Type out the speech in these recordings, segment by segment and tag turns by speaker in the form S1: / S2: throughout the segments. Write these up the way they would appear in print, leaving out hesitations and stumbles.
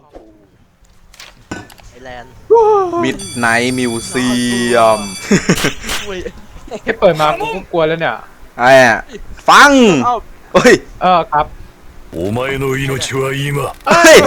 S1: Welcome to Thailand
S2: มิดไนท์มิวเซียม
S3: แค่เปิดมากูก็กลัวแล้วเนี่ย
S2: ไอ้อะฟัง
S1: เอ้า
S2: เฮ้ย
S3: ครับ
S4: お前の命は今
S2: เฮ้ย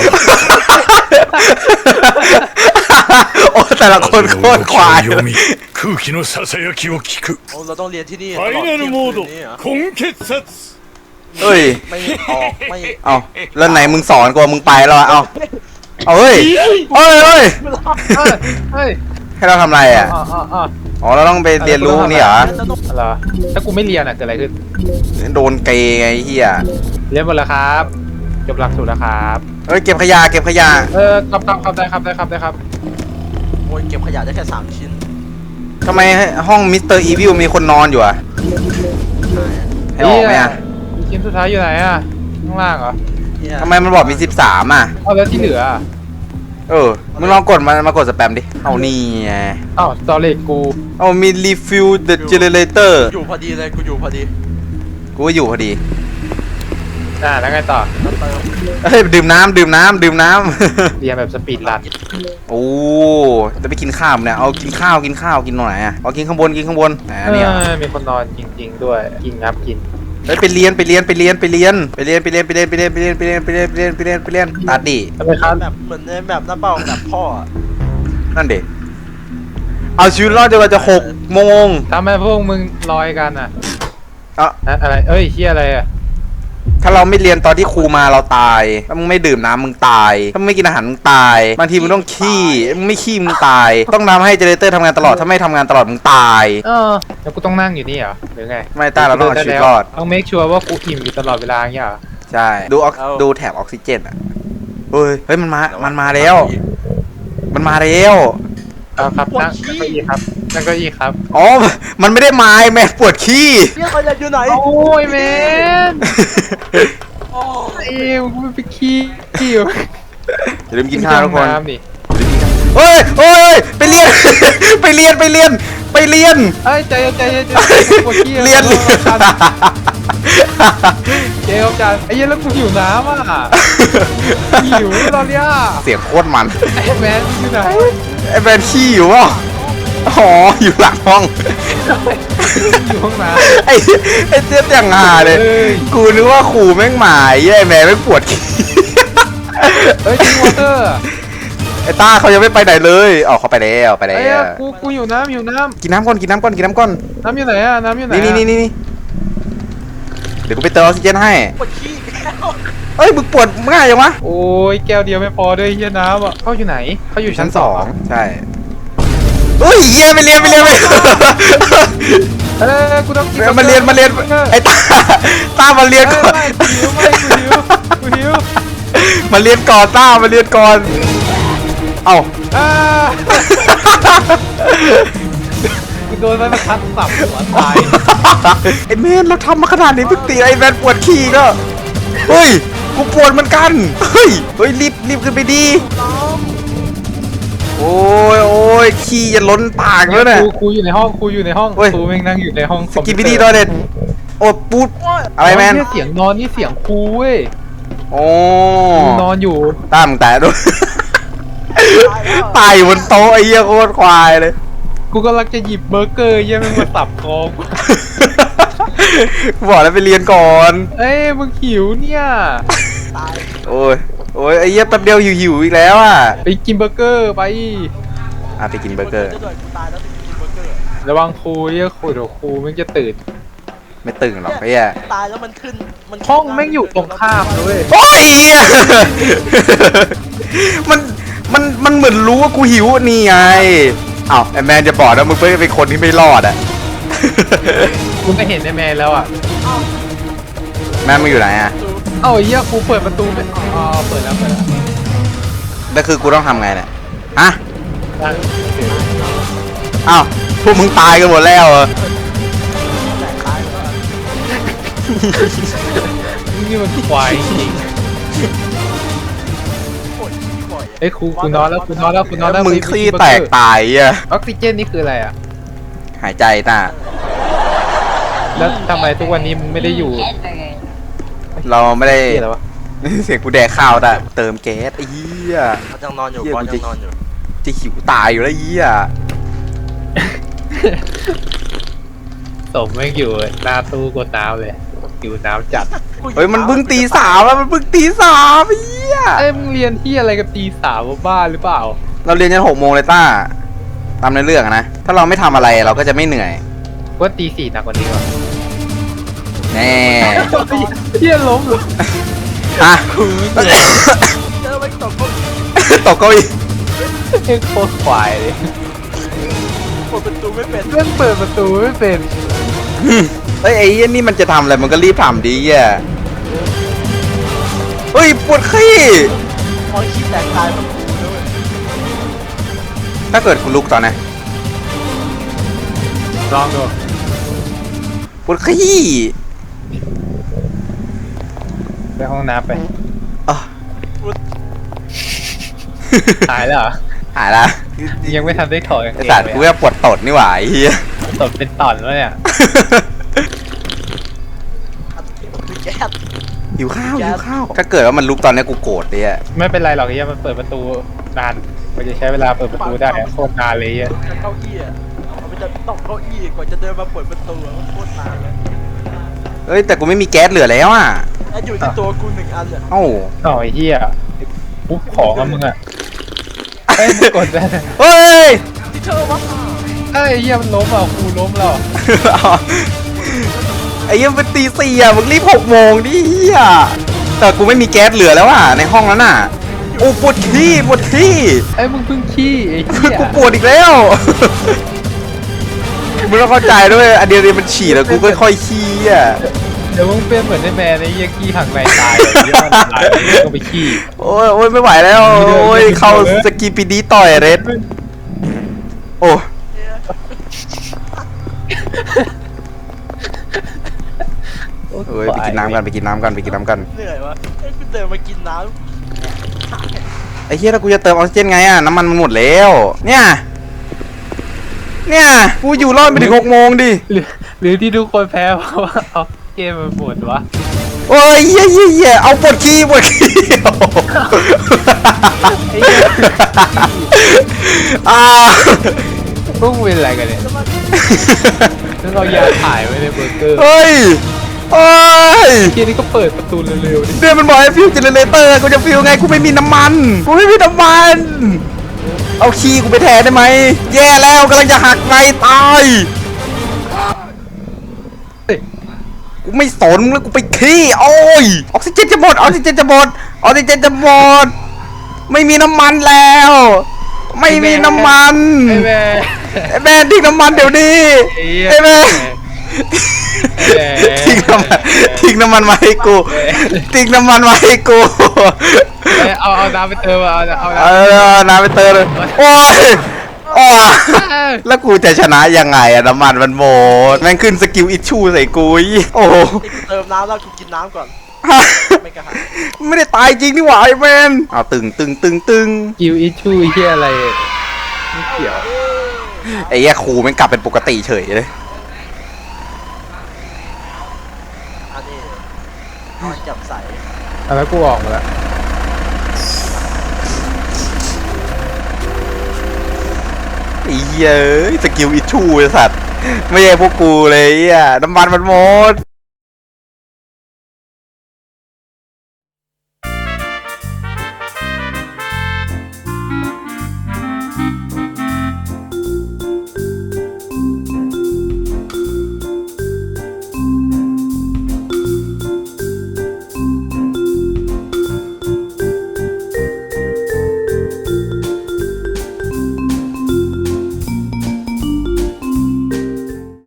S2: โอ้แต่ละคนโคตรควาย
S4: 読み空気のささやきを聞く
S1: โอ้เราต้องเรียนที่นี่
S4: ファイナルモード根血殺
S2: เฮ้ย
S1: ไม่ออกไม่
S2: เอาแล้วไหนมึงสอนกูมึงไปแล้วอะเอาเฮ้ยเฮ้ยเฮ้ย
S3: เฮ้ย
S2: ให้เราทำอะไรอ่ะ อ๋อเราต้องไปเรียนรู้นี่เหรอ
S3: เหรอถ้ากูไม่เรียนอ่ะเกิดอะไรขึ้น
S2: โดนเกย์ไงเฮีย
S3: เรียนหมดแล้วครับจบหลักสูตรแล้วครับ
S2: เฮ้ยเก็บขยะเก็บขยะ
S3: ครับได้ครับ
S1: โอ้ยเก็บขยะได้แค่3 ชิ้น
S2: ทำไมห้องมิสเตอร์อีวิลมีคนนอนอยู่อ่ะให้ออกไหมอ่ะ
S3: ชิ้นสุดท้ายอยู่ไหนอ่ะข้างล่างเหรอ
S1: เนี่ย
S2: ทำไมมันบอกมี13อ่ะ
S3: เอาแล้วที่เหลือ
S2: มึงลองกดมากดสแปมดิ เอานี่ไง
S3: อ้าวสตอรี่กู
S2: เอามี refill the generator
S1: อยู่พอดีเลยกูอยู่พอดี
S2: กูก็อยู่พอดี
S3: แล้วไงต่อ
S1: แล้วเติม
S2: เฮ้ยดื่มน้ำ
S3: เรียนแบบสปีดรัน
S2: โอ้จะไปกินข้าวเนี่ย เอากินข้าวกินตรงไหนอ่ะเอากินข้างบนเนี่ย
S3: มีคนนอนจริงๆด้วยกินครับกิน
S2: เฮ้ยไปเรียนตัดดิ
S3: ทำไมครับ
S1: แบบเหมือนในแบบหน้าเป้าแบบพ่ออะ
S2: นั่นเด็เอาชีวิตรอดจนกว่าจะ6 โมง
S3: ทำไมพวกมึงลอยกันอ่ะ
S2: อ่ะ
S3: อะไรเฮียอะไรอ่ะ
S2: ถ้าเราไม่เรียนตอนที่ครูมาเราตายถ้ามึงไม่ดื่มน้ำมึงตายถ้ามึงไม่กินอาหารมึงตายบางทีมึงต้องขี้มึงไม่ขี้มึงตายต้องทำให้เจเนเรเตอร์ทำงานตลอดถ้าไม่ทำงานตลอดมึงตาย
S3: แล้วกูต้องนั่งอยู่นี่เหรอหรือไง
S2: ไม่ต้าเราต้องเอาชีวิตรอด
S3: ต้องเมคชัวร์ว่ากูอิ่มอยู่ตลอดเวลาอย่างเงี้ยเหรอ
S2: ใช่ดูแถบออกซิเจนอ่ะเฮ้ยมันมาแล้ว
S3: ครับนั่งเก้าอี้ครับนั่งเก้าอี้ครับ
S2: อ๋อมันไม่ได้ไม้แม่ปวดขี้
S1: เนี่ยขยะอยู่ไหน
S3: โอ้ยแมน
S1: โอ้
S3: กูไม่ไปขี้อยู่
S2: อย่าลืมกินข้าวทุกคน
S3: น้ำดิ
S2: เฮ้ยไปเรียน ไปเรียน
S3: เอ้ยใจปวดขี้
S2: เรียน
S3: เจ๊ครับจานไอ้เหี้ยแล้วกูหิวน้ำอ่ะหิวตอนเนี้ย
S2: เสียงโคตรมัน
S3: ไอ้แมนอยู่ไหน
S2: ไอ้แบนขี้อยู่วะอ๋ออยู่หลังห้อง
S3: อยู่ห้องน้
S2: ไอ้เจี๊ยบอย่างหาเลย กูนึกว่าขู่แม่งหมายไอ้แม่ไม่งปวดขี้
S3: ำเอ้ยจิงวอเตอร์
S2: ไอ้ต้าเขายังไม่ไปไหนเลยอ๋อเขาไปแล้ว
S3: ไอ้กูหิวน้ำ
S2: กินน้ำก่อน
S3: น้ำอยู่ไหนอ่ะน้ำอยู่ไหน
S2: นี่เดี๋ยวกูไปเติมออกซิเจนให้
S1: ปวดขี้แล้ว
S2: เอ้ยมึงปวดง่ายจังวะ
S3: โอ้ยแก้วเดียวไม่พอด้วยเฮียน้ำอ่ะเขาอยู่ไหนเขาอยู่ชั้น 2
S2: ใช่เฮ้ยเหี้ยไปเรียน
S3: กูต้องกิน
S2: มาเรียนไอ้ต้ามาเรียนก่อน
S3: กูหิว
S2: มาเรียนก่อนต้ามาเรียนก่อนเอ้า
S3: กูโดนมันทัดสับหัวตาย
S2: ไอ้แมนเราทำมาขนาดนี้เพิ่งตีไอ้แมนปวดขี้ก็เฮ้ยกูปวดเหมือนกันเฮ้ยรีบขึ้นไปดีโอ้ยขี้จะล้นปากแล้วเนี่ย
S3: ครูอยู่ในห้องครูแม่งนั่งอยู่ในห้อง
S2: สกิปปี้ดีดอยเด็ดโอ้ปูดอะไรแมน
S3: เสียงนอนนี่เสียงครูเว้ย
S2: โอ้
S3: นอนอยู่
S2: ตามแต่ด้วยตายอยู่บนโต๊ะไอ้เหี้ยโคตรควายเลย
S3: กูกำลังจะหยิบเบอร์เกอร์ยังมึงมาสับคอกู
S2: กูบอกแล้วไปเรียนก่อน
S3: เอ้ยมึงหิวเนี่ย
S1: ตาย
S2: โอ้ยไอ้เหี้ยแป๊บเดียวหิวอีกแล้วอ่ะ
S3: ไปกินเบอร์เกอร์ไป
S2: ไปกินเบอร์เกอร์
S1: ด้วยกูตายแล้วไปกินเบอร์เกอร์
S3: ระวังครูเดี๋ยวครูแม่งจะตื่น
S2: ไม่ตึงหรอกไอ้เหี้ย
S1: ตายแล้วมันขึ้นมัน
S3: ห้องแม่งอยู่ตรงข้ามเลย
S2: โอ้ยเหี้ยมันเหมือนรู้ว่ากูหิวนี่ไงอ้าวไอ้แมนจะบอกนะมึงเป็นคนที่ไม่รอดอ่ะ
S3: กูไม่เห็นไอ้แมนแล้วอ่ะ
S2: แมนมึงอยู่ไหนอ่ะ
S3: เอ้าไอ้เหี้ยครูเปิดประตูไปอ๋อเปิดแล้ว
S2: แล้วคือกูต้องทำไงเนี่ยฮะ
S3: นั่ง
S2: อ้าวพวกมึงตายกันหมดแล้วเหรอ
S1: แต่ตายแล้ว
S3: นี่มันควายจริง
S1: ปวดขี้บ่อย
S3: เอ้ยครูนอนแล้ว
S2: มึงขี้แตกตายอ่ะ
S3: ออกซิเจนนี่คืออะไรอ่ะ
S2: หายใจต้า
S3: แล้วทำไมทุกวันนี้มึงไม่ได้อยู่
S2: เราไม่ได้
S3: ที่อะไรวะ
S2: เสียงกูแดกข้าวได้เติมแก๊สไอ้เหี้ย
S1: มันยังนอนอยู่
S2: เหี้ย
S1: บอล
S2: กู
S1: ยังนอนอยู่
S2: จะหิวตายอยู่แล้วไอ้เหี้ย
S3: สมไม่อยู่หน้าตู้กดน้ำเลยหิวน้ำจัด
S2: เฮ้ยมันเพิ่งตีสามแล้วมันเพิ่งตีสามไอ้เหี้ย
S3: เอ้ยมึงเรียนที่อะไรกับตีสามบ้าหรือเปล่า
S2: เราเรียนยัน6 โมงเลยต้าตามในเรื่องอะนะถ้าเราไม่ทำอะไรเราก็จะไม่เหนื่อย
S3: ว่าตีสี่หนักกว่านี้วะ
S2: แน่
S3: เฮียล้มเหรอ
S2: ฮะ
S1: เจอไปตกก็
S2: ตกเก้าอี้
S3: เอ็งโคตรควายเลย
S1: เปิดประตูไม่เป็น
S3: เพื่อนเปิดประตูไม่เป็น
S2: เฮ้ยไอ้เหี้ยนี่มันจะทำอะไรมันก็รีบทำดีอ่ะเฮ้ยปวดขี้
S1: มองขี้แตกตายมันเลย
S2: ถ้าเกิดคุณลุกตอนไหน
S3: ลองดู
S2: ปวดขี้
S3: ไปห้องน้ำไป
S2: อ่ะ
S3: หายแล้วเหรอ
S2: หายละ
S3: ยังไม่ทันได้ถอดกาง
S2: ไอ้
S3: เกง
S2: สัตว์
S3: เลย
S2: กูแค่ปวดตดนี่หว่าไอ้เหี้ย
S3: ตบเป็นตอนแล้วเนี่ย
S1: คือแก๊ส
S2: หิวข้าวหิวข้าวถ้าเกิดว่ามันลุกตอนนี้กูโกรธเลยอ่ะ
S3: ไม่เป็นไรหรอกไอ้เหี้ยมันเปิดประตูนานมันจะใช้เวลาเปิดประตูได้โคตรนานเลยไอ้เหี้ย
S1: จะเก้าอี้อ่ะมันจะตกเก้าอี้กว่าจะเดินมาเปิดประตูมันโคตรนานเลย
S2: เอ้ยแต่กูไม่มีแก๊สเหลือแล้วอ่ะ
S1: แล้วอยู่ที่ตัวกู1 อันอ่ะ
S2: เอ้า
S3: อ๋อไอ้เหี้ยปุ๊บของอะมึงอะเอ้ยมึงกดได้
S2: เฮ้ย
S1: ที่เธอวะ
S3: เอ้ยไอ้เหี้ยมันล้มอ่ะครูล้มแล้ว
S2: ไอ้เหี้ยังเป็นตี 4อ่ะมึงรีบ6 โมงดิเหี้ยแต่กูไม่มีแก๊สเหลือแล้วอ่ะในห้องนั้นน่ะโอ้ปวดขี้ปวดขี้
S3: ไอ้ยมึงเพิ่งขี้ไอ้เหี้ย
S2: กูปวดอีกแล้วมึงต้องเข้าใจด้วยอันเดียวมันฉี่แล้วกูค่อยๆขี้อ่ะ
S3: เดี๋ยวมึงเป็นเหมือนไอ้แมนไอ้เหี้ยขี้ทางในตายเลยเหี้ยมันตายไอ้เหี้ยก็ไปขี้
S2: โอ้ยโอ้ยไม่ไหวแล้วโอ้ยเข้าสกีปีดีต่อยเรดโอ้เอ้ยไปกินน้ำกันไปกินน้ำกันไปกินน้ำกัน
S1: เหนื่อยวะไอ้กูเดินมากินน้
S2: ไอ้เหี้ยแล้วกูจะเติมออกซิเจนไงอ่ะน้ำมันมันหมดแล้วเนี่ยกูอยู่รอดไปถึง6 โมงดิ
S3: หรือที่ทุกคนแพ้เพราะว่าเอาเกมมันหมดวะ
S2: โอ้ยเหี้ยเอาปวดขี้
S3: ไอ้เหี้ย
S2: อ่า
S3: พวกมึงเป็นอะไรกันเนี่ยแล้วเรายาถ่ายไว้ในเบอร์เกอร์
S2: เฮ้ยเฮ้ย
S3: เกมนี้ก็เปิดประตูเร็วๆดิ
S2: เดี๋ยวมันบอกให้ฟิวเจเนเรเตอร์กูจะฟิวไงกูไม่มีน้ำมันกูไม่มีน้ำมัน เอาขี้กูไปแทนได้ไหมแย่แล้วกำลังจะหักไงตายกูไม่สนแล้วกูไปขี้โอ้ยออกซิเจนจะหมดออกซิเจนจะหมดออกซิเจนจะหมดไม่มีน้ำมันแล้ว ไม่มีน้ำมัน
S3: ไอ้แม่
S2: ไอ้แม่ทิ้งน้ำมันเดี๋ยวนี้ไอ้แม่ทิ้งน้ำมันมาให้กูทิ้งน้ำมันมาให้กู
S3: เอาน้ำไปเติมเอา
S2: น้ำไปเติมเลยโอ้ยโอ้ยแล้วกูจะชนะยังไงอะน้ำมันมันหมดแม่งขึ้นสกิลอิชชูใส่กูอีกโอ้โห
S1: ำไอ้กูเติมน้ำแล้วกูกินน้ำก่อนไม่กระหาย
S2: ไม่ได้ตายจริงนี่หว่าไอ้แมนเอาตึง
S3: กิวอิชูไอ้เหี้ยอะไรไม่เกี่ยว
S2: ไอ้แย่ครูแม่งกลับเป็นปกติเฉยเลย
S1: อันนี้นอนจับใส
S3: แล้วกูออกมาแล้ว
S2: ไอ้เหี้ยเอ้ยสกิลอิชชูไอ้สัตว์ไม่ใช่พวกกูเลยอ่ะน้ำมันมันหมด